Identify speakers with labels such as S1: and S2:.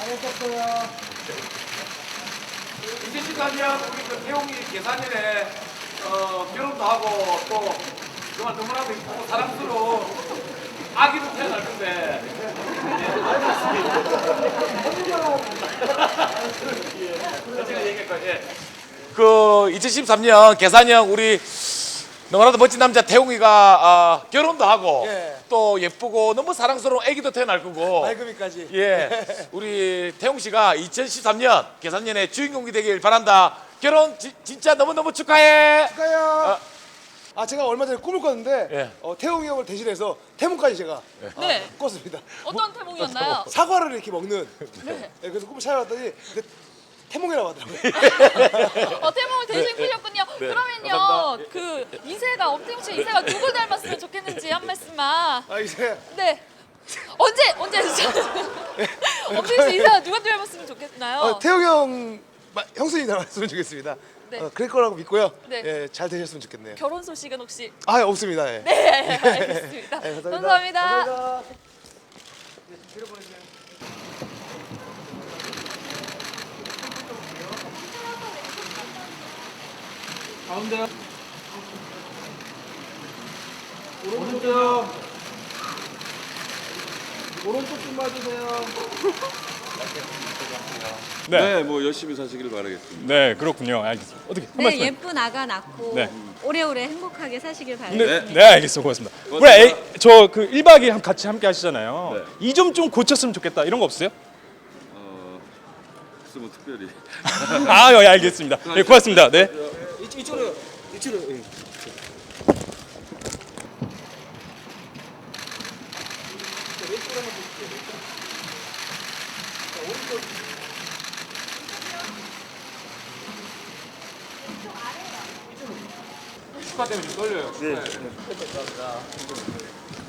S1: 2014년 우리 그 태용이 계산일에 결혼도 하고 또 정말 너무나도 이쁘고 사랑스러운 아기도 태어날 건데. 제가 얘기할까요? 예. 그 2013년 계산형 우리 너무나도 멋진 남자 태용이가 결혼도 하고
S2: 예.
S1: 또 예쁘고 너무 사랑스러운 아기도 태어날 거고.
S2: 말금이까지.
S1: 예, 우리 태용 씨가 2013년 계산년의 주인공이 되길 바란다. 결혼 진짜 너무너무 축하해.
S2: 축하해요. 제가 얼마 전에 꿈을 꿨는데
S1: 예.
S2: 태웅이 형을 대신해서 태몽까지 제가
S3: 네.
S2: 꿨습니다.
S3: 어떤 태몽이었나요?
S2: 사과를 이렇게 먹는.
S3: 네.
S2: 예, 그래서 꿈을 찾아봤더니 근데 태몽이라고 하더라고요.
S3: 태몽을 대신 꾸셨군요. 그러면요, 그 이세가 엄태웅 씨 이세가 누굴 닮았으면 좋겠는지 한 말씀만.
S2: 이제
S3: 네. 언제 엄태웅 씨 이세가 누가 닮았으면 좋겠나요?
S2: 태웅이 형 형수님 닮았으면 좋겠습니다.
S3: 네.
S2: 그럴 거라고 믿고요.
S3: 네.
S2: 예, 잘 되셨으면 좋겠네요.
S3: 결혼 소식은 혹시?
S2: 없습니다. 예.
S3: 네, 알겠습니다. 감사합니다.
S2: 감사합니다.
S1: 가운데요. 오른쪽. 오른쪽 좀 봐주세요.
S4: 네, 뭐 열심히 사시길 바라겠습니다.
S5: 네, 그렇군요. 알겠습니다. 어떻게 한
S6: 네,
S5: 말씀?
S6: 예쁜 아가 낳고
S5: 네.
S6: 오래오래 행복하게 사시길 바랍니다.
S5: 네, 알겠습니다. 고맙습니다. 우리 저그 1박 2일 같이 함께 하시잖아요.
S4: 네.
S5: 이 점 좀 고쳤으면 좋겠다. 이런 거 없어요?
S4: 무슨 뭐 특별히.
S5: 예, 알겠습니다. 네, 고맙습니다. 네.
S2: 이쪽으로. 예.
S1: 축하 때문에 좀 떨려요. 네. 감사합니다.